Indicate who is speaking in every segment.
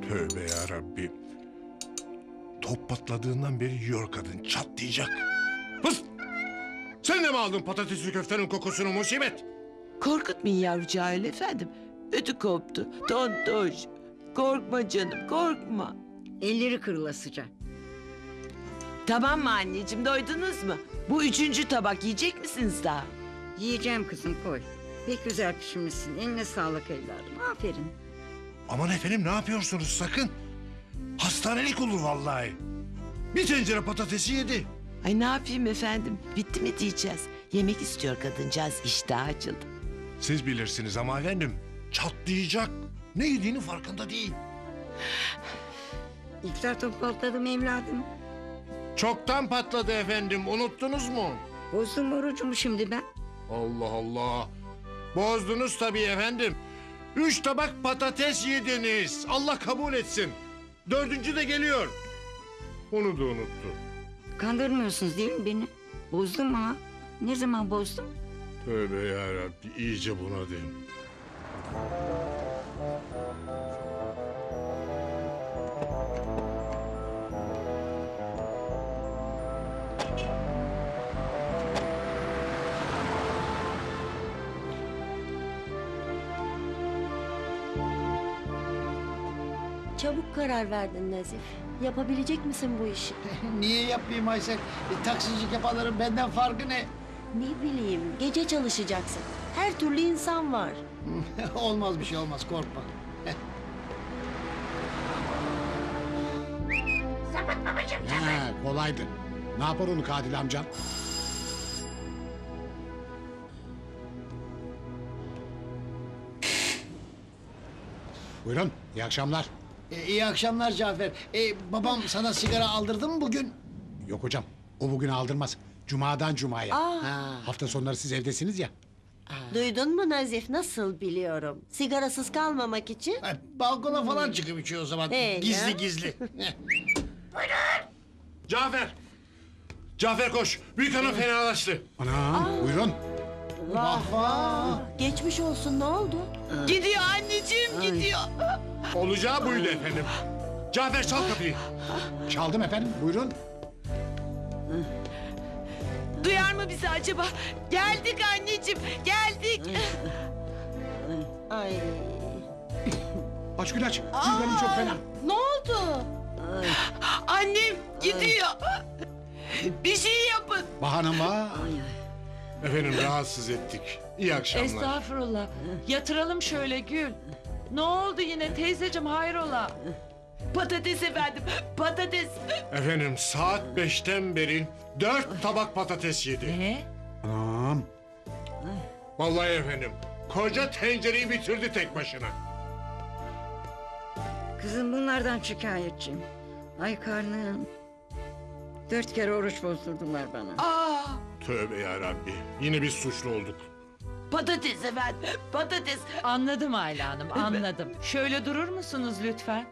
Speaker 1: Tövbe ya Rabbi. Top patladığından beri yiyor kadın. Çatlayacak. Pıs! Sen de mi aldın patatesli köftenin kokusunu musibet?
Speaker 2: Korkutmayın yavrucağı öyle efendim. Ödü koptu. Tontoş. Korkma canım korkma.
Speaker 3: Elleri kırılasıca.
Speaker 2: Tamam mı anneciğim doydunuz mu? Bu 3. tabak yiyecek misiniz daha?
Speaker 3: Yiyeceğim kızım koy. Pek güzel pişirmişsin. Eline sağlık evladım. Aferin.
Speaker 1: Aman efendim ne yapıyorsunuz sakın? Hastanelik olur vallahi. Bir tencere patatesi yedi.
Speaker 2: Ay ne yapayım efendim? Bitti mi diyeceğiz? Yemek istiyor kadıncağız iştah açıldı.
Speaker 1: Siz bilirsiniz ama efendim. Çatlayacak. Ne yediğinin farkında değil.
Speaker 3: İftar topu patladım evladım.
Speaker 1: Çoktan patladı efendim. Unuttunuz mu?
Speaker 3: Bozdum orucumu şimdi ben.
Speaker 1: Allah Allah. Bozdunuz tabii efendim. 3 tabak patates yediniz. Allah kabul etsin. 4. de geliyor. Onu da unuttu.
Speaker 3: Kandırmıyorsunuz değil mi beni? Bozdum ha. Ne zaman bozdum?
Speaker 1: Tövbe yarabbi iyice bunadım.
Speaker 4: Çabuk karar verdin Nazif. Yapabilecek misin bu işi?
Speaker 5: Niye yapmayayım Aysel? Taksicilik yapanların benden farkı ne?
Speaker 4: Ne bileyim, gece çalışacaksın. Her türlü insan var.
Speaker 5: Olmaz bir şey olmaz korkma.
Speaker 6: Ha, kolaydı. Ne yapar onu Kadil amcam? Buyurun, iyi akşamlar.
Speaker 5: İyi akşamlar Cafer. Babam sana sigara aldırdı mı bugün?
Speaker 6: Yok hocam, o bugün aldırmaz. Cuma'dan Cuma'ya.
Speaker 5: Ha.
Speaker 6: Hafta sonları siz evdesiniz ya.
Speaker 4: Duydun mu Nazif? Nasıl biliyorum. Sigarasız kalmamak için.
Speaker 5: Balkona falan çıkıp içiyor o zaman. Gizli
Speaker 4: ya.
Speaker 5: gizli.
Speaker 1: Cafer. Cafer koş. Büyük hanım fenalaştı.
Speaker 6: Anam, buyurun.
Speaker 5: Vah vah.
Speaker 4: Geçmiş olsun, ne oldu?
Speaker 2: Gidiyor anneciğim gidiyor.
Speaker 1: Olacağı buydu efendim. Cafer çal kapıyı.
Speaker 6: Çaldım efendim, buyurun.
Speaker 2: Duyar mı bizi acaba? Geldik anneciğim geldik.
Speaker 4: Ay.
Speaker 6: Aç Gül aç. Gülbenim çok fena.
Speaker 4: Ne oldu?
Speaker 2: Annem gidiyor. Bir şey yapın.
Speaker 6: Bahanım var.
Speaker 1: Efendim rahatsız ettik. İyi akşamlar.
Speaker 7: Estağfurullah. Yatıralım şöyle Gül. Ne oldu yine teyzeciğim hayrola?
Speaker 2: Patates efendim patates.
Speaker 1: Efendim saat 5'ten beri 4 tabak patates yedi.
Speaker 7: Ne?
Speaker 6: Anam.
Speaker 1: Vallahi efendim. Koca tencereyi bitirdi tek başına.
Speaker 3: Kızım bunlardan şikayetçiyim. Ay karnım. 4 kere oruç bozdurdular bana.
Speaker 2: Aa,
Speaker 1: Tövbe yarabbi. Yine biz suçlu olduk.
Speaker 2: patates efendim patates.
Speaker 7: Anladım Ayla Hanım anladım. Şöyle durur musunuz lütfen?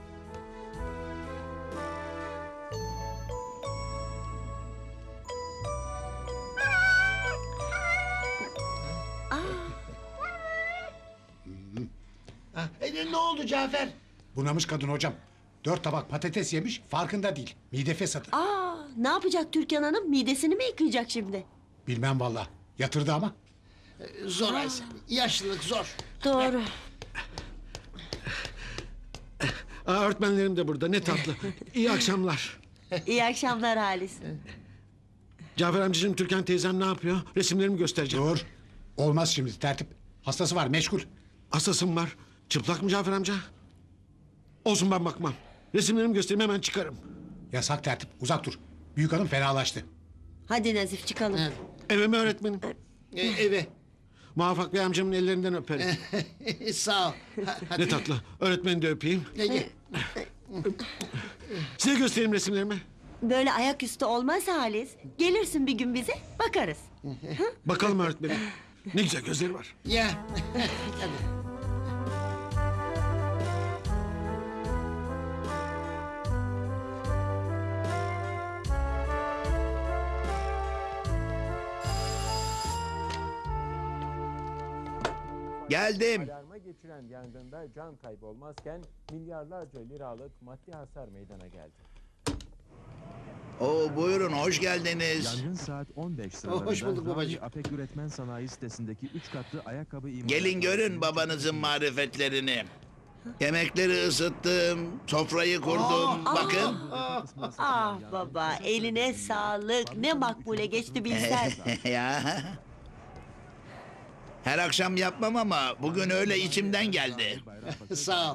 Speaker 5: Ne oldu Cafer?
Speaker 6: Bunamış kadın hocam. 4 tabak patates yemiş, farkında değil. Mide fesatı.
Speaker 4: Aa, ne yapacak Türkan Hanım? Midesini mi yıkayacak şimdi?
Speaker 6: Bilmem valla. Yatırdı ama.
Speaker 5: Zor Aysel. Yaşlılık zor.
Speaker 4: Doğru.
Speaker 8: Öğretmenlerim de burada ne tatlı. İyi akşamlar.
Speaker 4: İyi akşamlar Halis.
Speaker 8: Cafer amcacığım Türkan teyzem ne yapıyor? Resimlerimi göstereceğim.
Speaker 6: Dur. Olmaz şimdi tertip. Hastası var, meşgul.
Speaker 8: Asasım var. Çıplak mı Cafer amca? Olsun ben bakmam. Resimlerimi göstereyim hemen çıkarım.
Speaker 6: Yasak tertip, uzak dur. Büyük hanım fenalaştı.
Speaker 4: Hadi Nazif çıkalım.
Speaker 8: Eve mi öğretmenim?
Speaker 5: Eve.
Speaker 8: Muvaffak Bey amcamın ellerinden öperim.
Speaker 5: Sağ ol.
Speaker 8: Ne tatlı. Öğretmeni de öpeyim.
Speaker 5: Gel.
Speaker 8: Size göstereyim resimlerimi.
Speaker 4: Böyle ayaküstü olmaz Halis. Gelirsin bir gün bize bakarız.
Speaker 8: Bakalım öğretmenim. Ne güzel gözleri var.
Speaker 5: Ya.
Speaker 9: Geldim. geçiren yangında can kaybı olmazken milyarlarca liralık maddi hasar meydana geldi.
Speaker 10: Oo, buyurun hoş geldiniz.
Speaker 11: Yangın saat 15 sıralarında
Speaker 5: Hoş bulduk babacığım.
Speaker 11: Rami Apek Üretmen Sanayi sitesindeki 3 katlı ayakkabı imalatı...
Speaker 10: Gelin görün babanızın marifetlerini. Yemekleri ısıttım, sofrayı kurdum. Bakın.
Speaker 4: Ah baba eline sağlık. Ne makbule geçti bilsen.
Speaker 10: Ya. Her akşam yapmam ama bugün öyle içimden geldi.
Speaker 5: Sağ ol.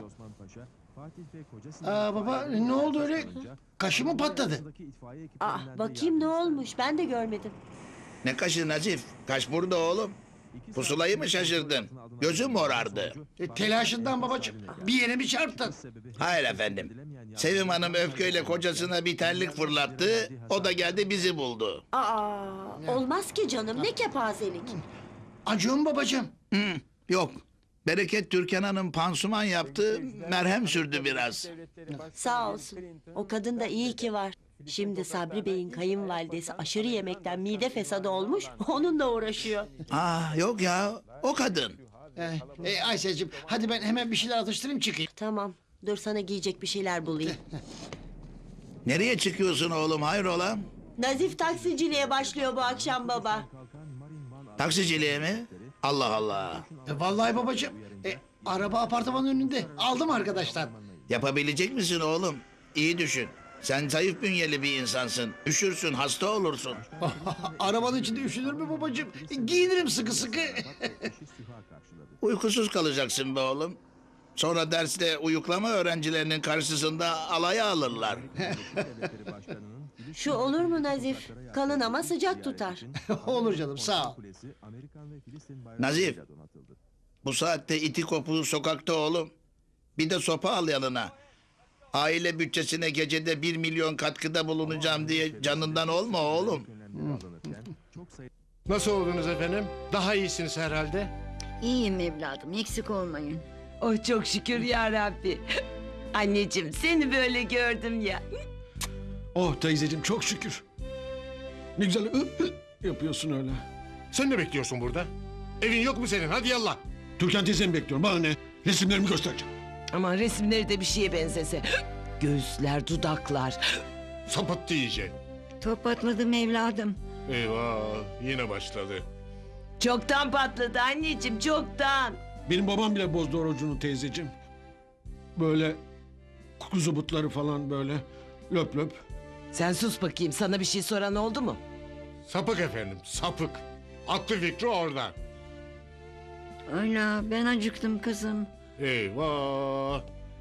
Speaker 5: Baba ne oldu öyle? Kaşı mı patladı?
Speaker 4: Ah bakayım ne olmuş ben de görmedim.
Speaker 10: Ne kaşı Nazif? Kaş burada oğlum. Pusulayı mı şaşırdın? Gözüm morardı.
Speaker 5: Telaşından babacığım. Bir yere mi çarptın?
Speaker 10: Hayır efendim. Sevim Hanım öfkeyle kocasına bir terlik fırlattı. O da geldi bizi buldu.
Speaker 4: Aa olmaz ki canım ne kepazelik.
Speaker 5: Acıyor mu babacığım?
Speaker 10: Yok. Bereket Türkan Hanım pansuman yaptı, merhem sürdü biraz.
Speaker 4: Sağ olsun. O kadın da iyi ki var. Şimdi Sabri Bey'in kayınvalidesi aşırı yemekten mide fesadı olmuş. Onunla uğraşıyor.
Speaker 10: Yok ya, o kadın.
Speaker 5: Ayşe'cim hadi ben hemen bir şeyler atıştırayım çıkayım.
Speaker 4: Tamam dur sana giyecek bir şeyler bulayım.
Speaker 10: Nereye çıkıyorsun oğlum, hayrola?
Speaker 4: Nazif taksiciliğe başlıyor bu akşam baba.
Speaker 10: Taksiciliğe mi? Allah Allah.
Speaker 5: Vallahi babacığım. Araba apartmanın önünde. Aldım arkadaşlar.
Speaker 10: Yapabilecek misin oğlum? İyi düşün. Sen zayıf bünyeli bir insansın. Üşürsün, hasta olursun.
Speaker 5: Arabanın içinde üşünür mü babacığım? Giyinirim sıkı sıkı.
Speaker 10: Uykusuz kalacaksın be oğlum. Sonra derste uyuklama öğrencilerinin karşısında alaya alırlar.
Speaker 4: Şu olur mu Nazif? Kalın ama sıcak tutar.
Speaker 5: Olur canım sağ ol.
Speaker 10: Nazif, bu saatte iti kopuğu sokakta oğlum. Bir de sopa al yanına. Aile bütçesine gecede 1 milyon katkıda bulunacağım diye canından olma oğlum.
Speaker 1: Nasıl oldunuz efendim? Daha iyisiniz herhalde.
Speaker 3: İyiyim evladım eksik olmayın.
Speaker 2: Oh çok şükür ya Rabbi. Anneciğim seni böyle gördüm ya.
Speaker 8: Oh teyzeciğim çok şükür. Ne güzel yapıyorsun öyle.
Speaker 1: Sen ne bekliyorsun burada? Evin yok mu senin? Hadi yallah.
Speaker 8: Türkan teyzemi bekliyorum, bana ne? Resimlerimi göstereceğim.
Speaker 2: Aman resimleri de bir şeye benzese. Göğüsler, dudaklar.
Speaker 1: Sapıttı iyice.
Speaker 3: Top patladım evladım.
Speaker 1: Eyvah yine başladı.
Speaker 2: Çoktan patladı anneciğim çoktan.
Speaker 8: Benim babam bile bozdu orucunu teyzeciğim. Böyle kuzu butları falan böyle löp löp.
Speaker 2: Sen sus bakayım sana bir şey soran oldu mu?
Speaker 1: Sapık efendim sapık. Aklı fikri orada.
Speaker 3: Öyle ben acıktım kızım.
Speaker 1: Eyvah.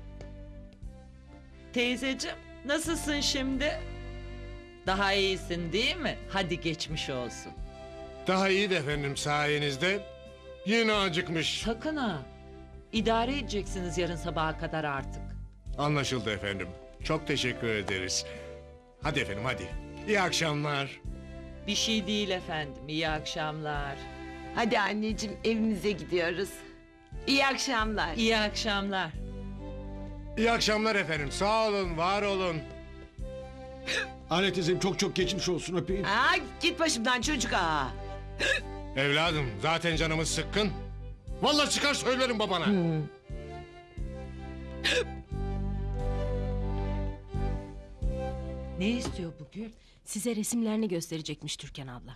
Speaker 7: Teyzeciğim nasılsın şimdi? Daha iyisin değil mi? Hadi geçmiş olsun.
Speaker 1: Daha iyi de efendim sayenizde. Yine acıkmış.
Speaker 7: Sakın ha. İdare edeceksiniz yarın sabaha kadar artık.
Speaker 1: Anlaşıldı efendim. Çok teşekkür ederiz. Hadi efendim hadi. İyi akşamlar.
Speaker 7: Bir şey değil efendim. İyi akşamlar.
Speaker 2: Hadi anneciğim evimize gidiyoruz. İyi akşamlar.
Speaker 7: İyi akşamlar.
Speaker 1: İyi akşamlar efendim. Sağ olun, var olun.
Speaker 8: Anne teyzem çok çok geçmiş olsun, öpeyim.
Speaker 2: Aa, git başımdan çocuk aa.
Speaker 1: Evladım zaten canımız sıkkın. Vallahi çıkar söylerim babana.
Speaker 7: Ne istiyor bu Gül?
Speaker 4: Size resimlerini gösterecekmiş Türkan abla.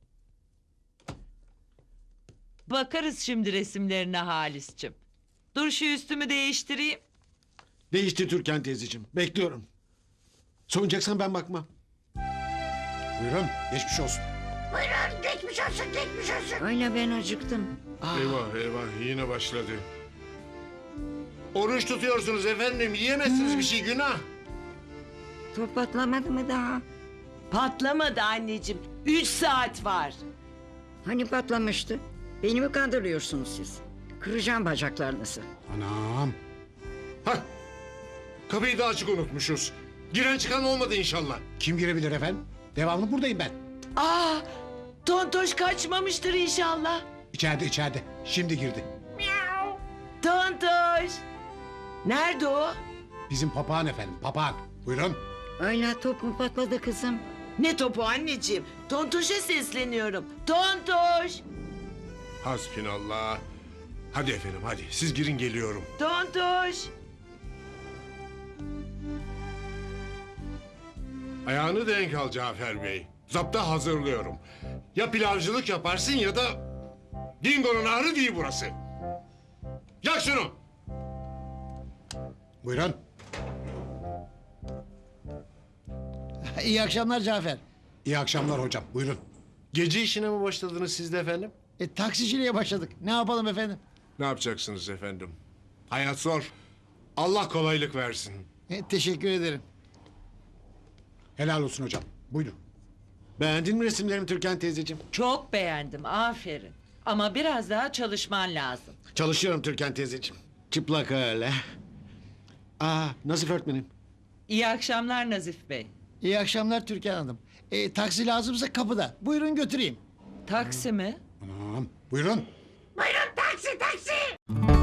Speaker 7: Bakarız şimdi resimlerine Halis'cim. Dur şu üstümü değiştireyim.
Speaker 8: Değişti Türkan teyzeciğim, bekliyorum. Soyunacaksan ben bakmam.
Speaker 6: Buyurun geçmiş olsun.
Speaker 3: Öyle ben acıktım.
Speaker 1: Eyvah eyvah yine başladı. Oruç tutuyorsunuz efendim. Yiyemezsiniz bir şey günah.
Speaker 3: Top patlamadı mı daha?
Speaker 2: Patlamadı anneciğim. 3 saat var.
Speaker 3: Hani patlamıştı? Beni mi kandırıyorsunuz siz? Kıracağım bacaklarınızı.
Speaker 6: Anam.
Speaker 1: Hah. Kapıyı da açık unutmuşuz. Giren çıkan olmadı inşallah.
Speaker 6: Kim girebilir efendim? Devamlı buradayım ben.
Speaker 2: Aa, Tontoş kaçmamıştır inşallah.
Speaker 6: İçeride. Şimdi girdi.
Speaker 2: Tontoş. Nerede o?
Speaker 6: Bizim papağan efendim, papağan. Buyurun.
Speaker 3: Öyle top mu patladı kızım?
Speaker 2: Ne topu anneciğim? Tontoş'a sesleniyorum. Tontoş.
Speaker 1: Hasbinallah. Hadi efendim hadi siz girin geliyorum.
Speaker 2: Tontoş.
Speaker 1: Ayağını denk al Cafer Bey. Zapta hazırlıyorum. Ya pilavcılık yaparsın ya da... Dingo'nun ahırı değil burası. Yak şunu.
Speaker 6: Buyurun.
Speaker 5: İyi akşamlar Cafer.
Speaker 6: İyi akşamlar hocam. Buyurun.
Speaker 1: Gece işine mi başladınız siz de efendim?
Speaker 5: Taksiciliğe başladık. Ne yapalım efendim?
Speaker 1: Ne yapacaksınız efendim? Hayat zor. Allah kolaylık versin.
Speaker 5: Teşekkür ederim.
Speaker 6: Helal olsun hocam. Buyurun.
Speaker 8: Beğendin mi resimlerimi Türkan teyzeciğim?
Speaker 7: Çok beğendim, aferin. Ama biraz daha çalışman lazım.
Speaker 8: Çalışıyorum Türkan teyzeciğim. Çıplak öyle. Nazif öğretmenim.
Speaker 7: İyi akşamlar Nazif Bey.
Speaker 5: İyi akşamlar Türkan Hanım. Taksi lazımsa kapıda. Buyurun götüreyim.
Speaker 7: Taksi mi?
Speaker 6: Tamam. Buyurun.
Speaker 2: Buyurun taksi taksi.